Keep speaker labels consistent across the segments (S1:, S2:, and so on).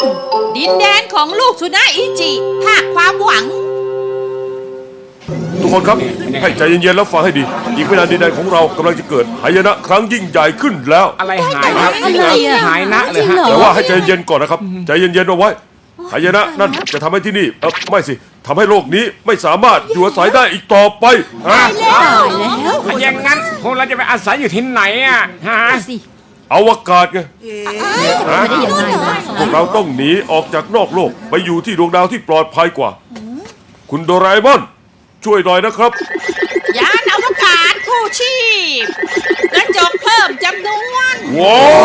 S1: ดินแดนของลูกสุนาอิจิภาคความหวัง
S2: ทุกคนครับให้ใจเย็นๆแล้วฟังให้ดีอีกไม่นานดินแดนของเรากำลังจะเกิดหายนะครั้งยิ่งใหญ่ขึ้นแล้ว
S3: อะไรหายครับหายนะเลยฮะ
S2: แต่ว่าให้ใจเย็นๆก่อนนะครับใจเย็นๆเอาไว้หายนะนั่นจะทำให้ที่นี่ไม่สิทำให้โลกนี้ไม่สามารถอยู่อาศัยได้อีกต่อไปฮะ
S3: ถ้าอย่างนั้นพวกเราจะไปอาศัยอยู่ที่ไหนอ่ะฮะ
S2: อวกาศไงพวกเราต้องหนีออกจากนอกโลกไปอยู่ที่ดวงดาวที่ปลอดภัยกว่าคุณโดราเอมอนช่วยหน่อยนะครับ
S1: ยานอวกาศคู่ชีพกระจกเพิ่มจำนวน
S2: ว้าว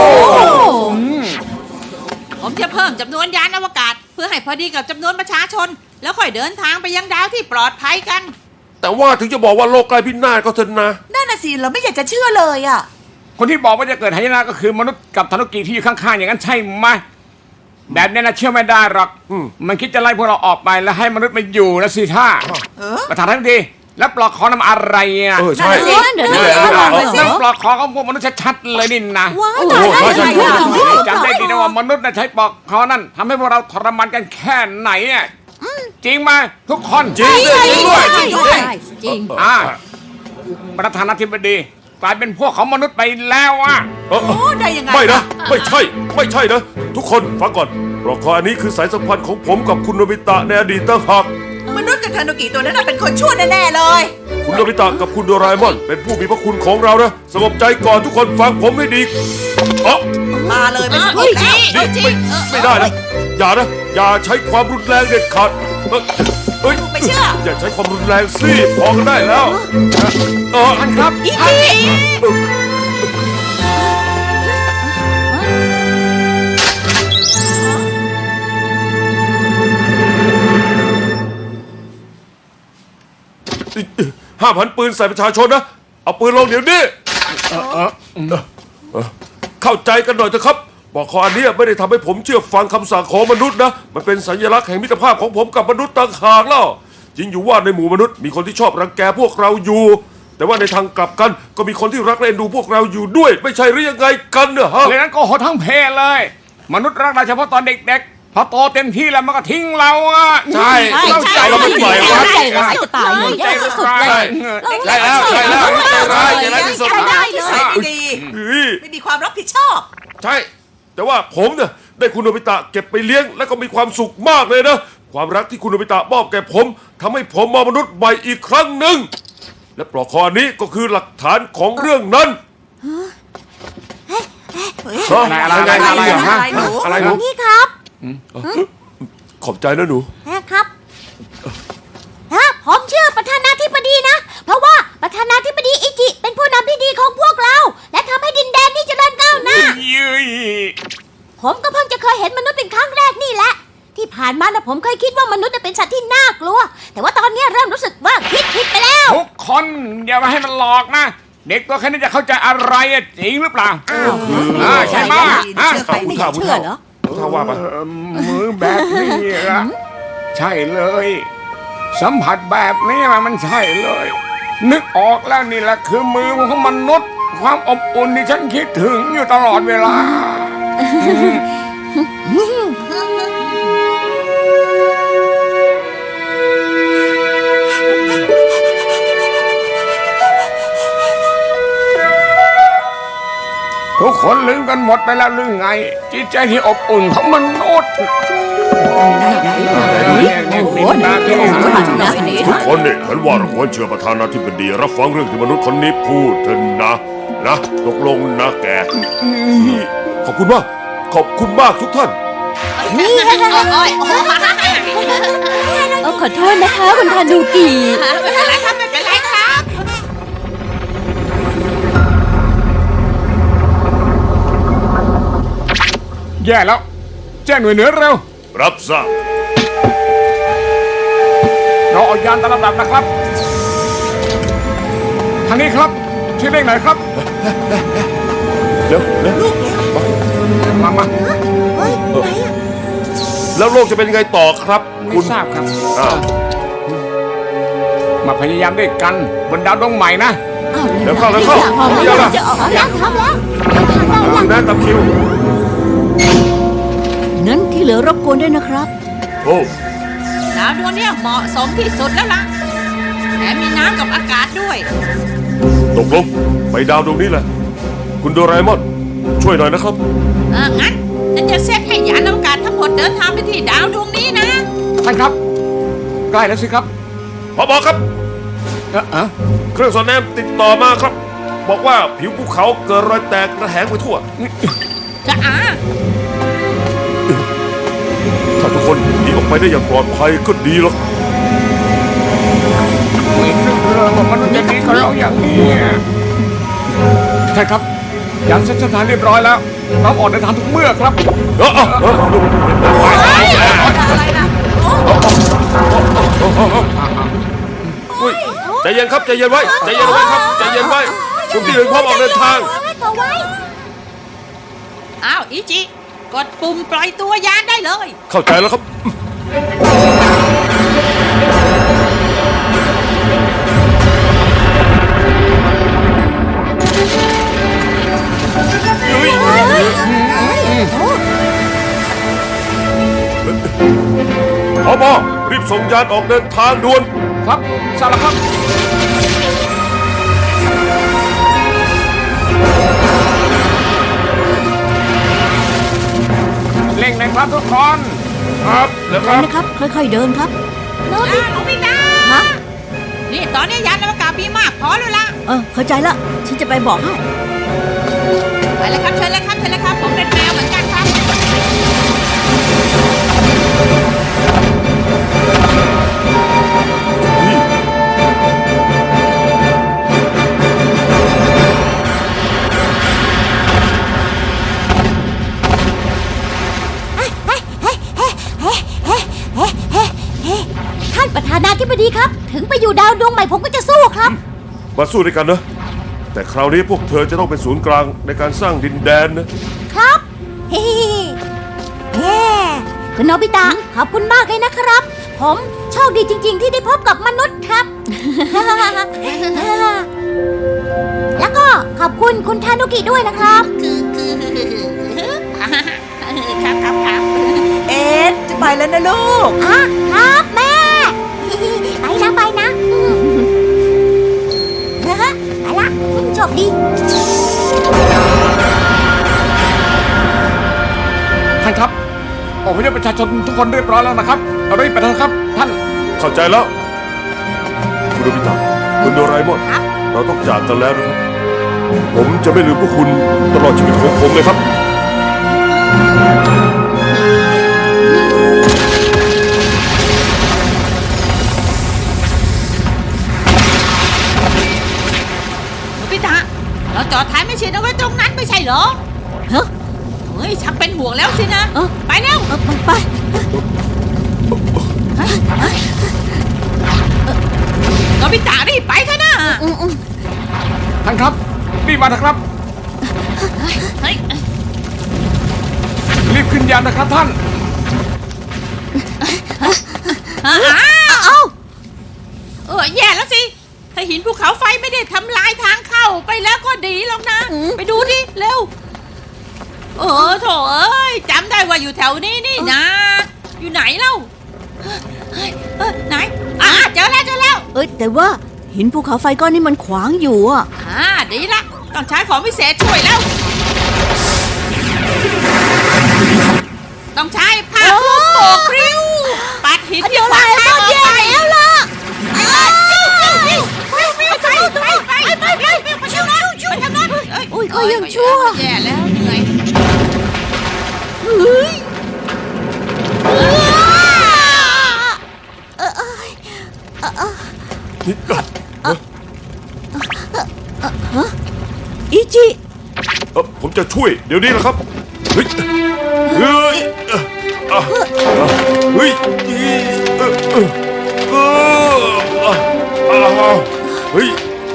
S1: ผมจะเพิ่มจำนวนยานอวกาศเพื่อให้พอดีกับจำนวนประชาชนแล้วค่อยเดินทางไปยังดาวที่ปลอดภัยกัน
S2: แต่ว่าถึงจะบอกว่าโลกใกล้พินาศก็เถอะนะ
S4: นั่นน่ะสิเราไม่อยากจะเชื่อเลยอ่ะ
S3: คนที่บอกว่าจะเกิดหายนะก็คือมนุษย์กับธนุกิที่อยู่ข้างๆอย่างนั้นใช่ไหมแบบนี้นะเชื่อไม่ได้หรอกมันคิดจะไล่พวกเราออกไปแล้วให้มนุษย์มาอยู่นะสิท่าประธานทั้งทีแล้วปลอกคอนำอะไรอ่ะ
S2: ใช่
S3: นั่นปลอกคอของพวกมนุษย์ชัดๆเลยนี่นะจำได้ดีนะว่ามนุษย์นะใช้ปลอกคอนั่นทำให้พวกเราทรมานกันแค่ไหนอ่ะจริงไหมทุกคน
S2: จริงด้วย
S1: จริง
S3: ประธานาธิบดีกลายเป็นพวกของมนุษย์ไปแล้วอ่ะ
S4: ได้ยังไง
S2: ไม่นะไม่ใช่นะทุกคนฟังก่อนปลอกคออันนี้คือสายสัมพันธ์ของผมกับคุณโนบิตะในอดีตต่างหาก
S4: มนุษย์กับทานุกิตัวนั้นเป็นคนชั่วแน่ๆเลย
S2: คุณโนบิตะกับคุณโดราเอมอนเป็นผู้มีพระคุณของเรานะสงบใจก่อนทุกคนฟังผมให้ดี
S4: มาเลยไม่สงบแล้ว
S2: ไม่ได้นะอย่าใช้ความรุนแรงเด็ดขาด
S4: ไม่เชื่อ
S2: อย่าใช้ความรุนแรงสิพอกันได้แล้ว
S3: ท่านครับ
S2: 5,000 ปืนใส่ประชาชนนะเอาปืนลงเดี๋ยวนี้เข้าใจกันหน่อยเถอะครับบอกข้ออันนี้ไม่ได้ทำให้ผมเชื่อฟังคำสั่งของมนุษย์นะมันเป็นสัญลักษณ์แห่งมิตรภาพของผมกับมนุษย์ต่างหากแล้วจริงอยู่ว่าในหมู่มนุษย์มีคนที่ชอบรังแกพวกเราอยู่แต่ว่าในทางกลับกันก็มีคนที่รักและเอ็นดูพวกเราอยู่ด้วยไม่ใช่หรือยังไงกันเนอะฮะ
S3: เลยนั้นก็โหดทั้งเพเลยมนุษย์รักเราเฉพาะตอนเด็กๆพอโตเต็มที่แล้วมันก็ทิ้งเราอ่ะ
S2: ใช่เราไม่ปล่อยครับ
S1: ใจร้ายจะตายเลยแย่ที่สุดเลย
S2: ใช่แล้วใจร้ายที่สุด
S4: ไม่มีความรับผิดชอบ
S2: ใช่แต่ว่าผมเนี่ยได้คุณโนบิตะเก็บไปเลี้ยงแล้วก็มีความสุขมากเลยนะความรักที่คุณโนบิตะมอบแก่ผมทำให้ผมมองมนุษย์ใหม่อีกครั้งหนึ่งและปลอกคอนี้ก็คือหลักฐานของเรื่องนั้น
S3: อะไร
S5: นี่ครับ
S2: ขอบใจนะหนู
S5: ครับผมชื่อประธานาธิบดีนะเพราะว่าประธานาธิบดีอิจิเป็นผู้นำที่ดีของพวกเราและทำให้ดินแดนนี้เจริญก้าวหน้าผมก็เพิ่งจะเคยเห็นมนุษย์เป็นครั้งแรกนี่แหละที่ผ่านมานะผมเคยคิดว่ามนุษย์เป็นสัตว์ที่น่ากลัวแต่ว่าตอนนี้เริ่มรู้สึกว่าคิดผิดไปแล้ว
S3: ทุกคนอย่ามาให้มันหลอกนะเด็กตัวแค่นี้จะเข้าใจอะไรจริงหรือเปล่าใช่ไหม
S4: ไม่เชื่อเหรอ
S2: ถ้าว่าไป
S3: มือแบบนี้อะใช่เลยสัมผัสแบบนี้มันใช่เลยนึกออกแล้วนี่แหละคือมือของมนุษย์ความอบอุ่นที่ฉันคิดถึงอยู่ตลอดเวลาทุกคนลืมกันหมดไปแล้วหรือไงจิตใจที่อบอุ่นของมนุษย์
S2: ทุกคนเนี่ยฉันว่าเราควรเชื่อประธานาธิบดีรับฟังเรื่องที่มนุษย์คนนี้พูดเถอะนะตกลงนะแกขอบคุณมากทุกท่าน
S5: ขอโทษนะคะคุณทานุกิ
S1: ไม่เป็นไรครับไม่เป็นไรครับ
S3: แย่แล้วแจ้งหน่วยเหนือเร็ว
S2: รับทราบ
S3: เราออกยานตามลำดับนะครับทางนี้ครับชื่อเลขไหนครับ
S2: เร็ว
S3: มา
S2: แล้วโลกจะเป็นยังไงต่อครับ
S3: คุณทราบครับมาพยายามด้วยกันบนดาวดวงใหม่นะ
S2: เดี๋ยวเข้า
S5: จะออกแล้วทำแล้ว
S2: นะตับคิว
S5: นั่นคือ
S4: ที่เหลือรบกวนด้วยนะครับ
S2: โอ้
S1: ดาวดวงเนี้ยเหมาะสมที่สุดแล้วล่ะแถมมีน้ำกับอากาศด้วย
S2: ตกลงไปดาวดวงนี้แหละคุณโดราเอมอนช่วยหน่อยนะครับ
S1: งั้นฉันจะเซตให้ยานอวกาศทั้งหมดเดินทางไปที่ดาวดวงนี้นะ
S3: ท่านครับ ใกล้แล้วสิครับ
S2: ผบครับ
S3: เอ๊ะ
S2: เครื่องสอดแนมติดต่อมาครับ บอกว่าผิวภูเขาเกิดรอยแตกระแหงไปทั่ว
S1: จะ
S2: ถ้าทุกคนหนีออกไปได้อย่างปลอดภัยก็ดีหรอก
S3: ไม่นึกเลยว่ามันจะหนีกับเราอย่างนี้ท่านครับยานเซ็นสถานเรียบร้อยแล้วพร้อมออกเดินทางทุกเมื่อครับ
S4: อะไรนะ
S2: อุ้ยใจเย็นครับใจเย็นไว้ใจเย็นไว้ครับใจเย็นไว้กลุ่มที่หนึ่งพร้อมออกเดินทาง
S1: อ้าวอิจิ กดปุ่มปล่อยตัวยานได้เลย
S2: เข้าใจแล้วครับผบรีบส่งยานออกเดินทางด่วน
S3: ครับทราบแล้วครับเร่งเลยครับทุกคน
S2: ครับแล้วครับ
S4: นะครับ ค่อยๆเดินครับ
S1: น้องพี่นา
S4: ฮะ
S1: นี่ตอนนี้ยานอวกาศมีมากพอแล้วล่ะ
S4: เข้าใจละฉันจะไปบอกให้
S1: ไปเลยครับเชิญเลยครับเชิญเลยครับ ผมเป็นแมวเหมือนกันครับ
S5: ท่านประธานาธิบดีครับ ถึงไปอยู่ดาวดวงใหม่ผมก็จะสู้ครับ
S2: มาสู้ด้วยกันนะ แต่คราวนี้พวกเธอจะต้องเป็นศูนย์กลางในการสร้างดินแดนนะ
S5: ครับ เฮ้คุณโนบิตะขอบคุณมากเลยนะครับ ผมโชคดีจริง ๆ ที่ได้พบกับมนุษย์ครับ แล้วก็ขอบคุณคุณทานุกิด้วยนะครับ
S1: ครับ
S4: เอ๊ะจะไปแล้วนะลูก
S5: ครับแม่ ไปนะไปละคุณโชคดี
S3: ท่านครับอพยพประชาชนทุกคนเรียบร้อยแล้วนะครับเอารีบไปเถอะครับท่าน
S2: เข้าใจแล้ว คุณโนบิตะคุณโดราเอมอนเราต้องจากกันแล้วนะครับ ผมจะไม่ลืมพวกคุณตลอดชีวิตของผมเลยครับ
S1: พี่ตาเราจอดท้ายไม่เชียนเอาไว้ตรงนั้นไม่ใช่เหรอ
S4: ฮะ
S1: เฮ้ยชักเป็นห่วงแล้วสินะ ไปเร็ว
S4: ไป
S1: โนบิตะรีบไปเถอะนะ
S3: ท่านครับรีบมาเถอะครับ
S1: เฮ้ย
S3: รีบขึ้นยานนะครับท่าน
S1: แย่แล้วสิ ถ้าหินภูเขาไฟไม่ได้ทำลายทางเข้าไปแล้วก็ดีแล้วนะ ไปดูดิ เร็ว โถเอ้ยจำได้ว่าอยู่แถวนี้นี่นะ อยู่ไหนเล่าไหนเจอแล้ว
S4: แต่ว่าหินภูเขาไฟก้อนนี้มันขวางอยู่อ่ะ
S1: ดีละ ต้องใช้ของพิเศษช่วยแล้ว ต้องใช้ผ้าคลุมโบกริ้ว ปัดหินที่ขวางทางออกไปแล้วล่ะไปทางโน้น
S5: อุ้ยเขายังชั่ว
S1: แย่แล้วเหนื่อย
S4: อิจิ
S2: ผมจะช่วยเดี๋ยวนี้นะครับ เฮ้ย เฮ้ยเฮ้ยเฮ้ย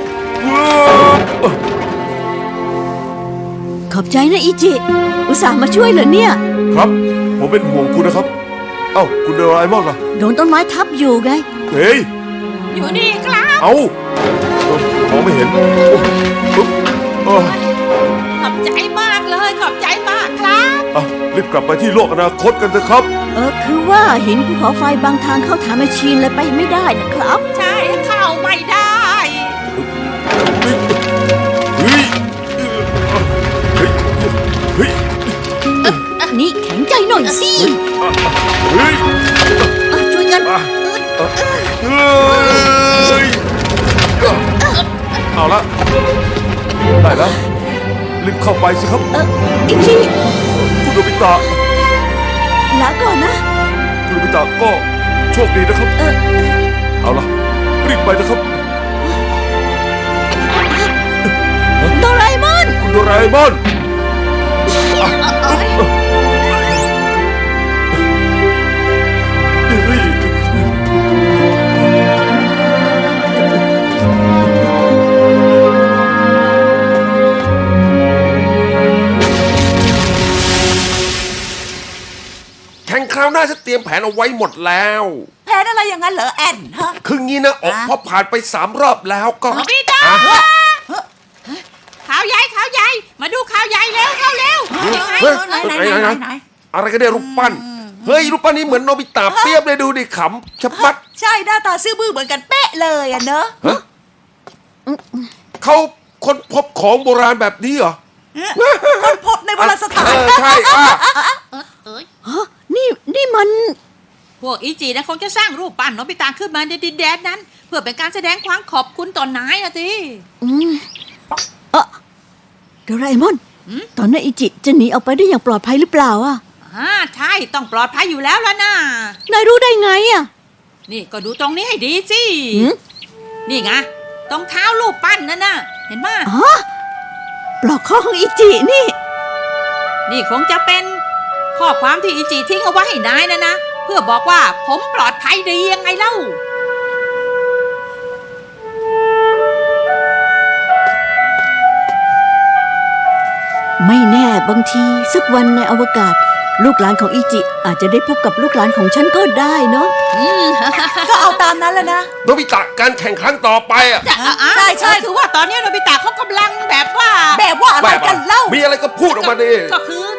S4: ขอบใจนะอิจิ อุตส่าห์มาช่วยเหรอเนี่ย
S2: ครับ ผมเป็นห่วงคุณนะครับ เอ้าคุณโดราเอมอนล่ะ
S4: โดนต้นไม้ทับอยู่ไง
S2: เฮ้ย
S1: อยู่นี่ครับ
S2: เอ้ามองไม่เห็น
S1: ข
S2: ปุ๊บ
S1: อบใจมากเลย ขอบใจมากครับ
S2: อ่ะรีบกลับไปที่โลกอนาคตกันเถอะครับ
S4: คือว่าหินภูเขาไฟบางทางเข้าฐานแมชชีนเลยไปไม่ได้นะครับ
S1: ใช่เข้าไม่ได้
S2: เฮ้ยเฮ้ยเฮ้ย
S4: นี่แข็งใจหน่อยสิ
S2: เฮ้ย
S4: ช่วยกัน
S2: เฮ้ยเอาละได้แล้วรีบเข้าไปสิครับ
S4: อิจิ
S2: คุณโนบิตะ
S4: ลาก่อนนะ
S2: คุณโนบิตะก็โชคดีนะครับ เอาละรีบไปนะครับ
S4: โดราเอมอน
S2: คุณโดราเอมอนเฮ้ย แข่งคราวหน้าฉันเตรียมแผนเอาไว้หมดแล้ว
S6: แผนอะไรอย่างนั้นเหรอแอนฮะ
S2: คืองี้นะออกพอผ่านไป3 รอบแล้วก็
S1: โนบิตะข่าวใหญ่ข่าวใหญ่ มาดูข่าวใหญ่เร็วเข้าเร็วยังไง
S2: เฮ้ย
S6: ไหน
S2: ไหนอะไรกันเนี่ยรูปปั้น เฮ้ยรูปปั้นนี้เหมือนโนบิตะเปรียบเลยดูดิขำชะมัด
S6: ใช่หน้าตาซื่อบื้อเหมือนกันเป๊ะเลยอะเนอะ
S2: ฮะเขาค้นพบของโบราณแบบนี้เหรอ
S6: คนพบในโบราณสถาน
S2: ใช่อ่ะ
S1: เอ้ย
S4: นี่มัน
S1: พวกอิจินะคงจะสร้างรูปปั้นโนบิตะขึ้นมาในดินแดนนั้น เพื่อเป็นการแสดงความขอบคุณต่อนายอะสิ
S4: โดราเอมอน ตอนนั้นอิจิจะหนีออกไปได้อย่างปลอดภัยหรือเปล่าอ่ะ
S1: ใช่ต้องปลอดภัยอยู่แล้วล่ะนะ
S4: นายรู้ได้ไงอ่ะ
S1: นี่ก็ดูตรงนี้ให้ดีสิ
S4: หืม
S1: นี่ไงตรงเท้ารูปปั้นนั่นน่ะ เห็นไหม
S4: อ๋อปลอกคอของอิจินี่
S1: นี่คงจะเป็นข้อความที่อิจิทิ้งเอาไว้ให้นายนะ เพื่อบอกว่าผมปลอดภัยดียังไงเล่า
S4: ไม่แน่บางทีสักวันในอวกาศ ลูกหลานของอิจิอาจจะได้พบกับลูกหลานของฉันก็ได้เนาะ
S6: ก็เอาตามนั้นแหละนะ
S2: โนบิตะการแข่งครั้งต่อไปอ่ะ
S6: ใช่
S1: คือว่าตอนนี้โนบิตะเขากำลังแบบว่า
S6: แบบว่าอะไรกันเล่า
S2: มีอะไรก็พูดออกมาดิ
S1: ก็คือ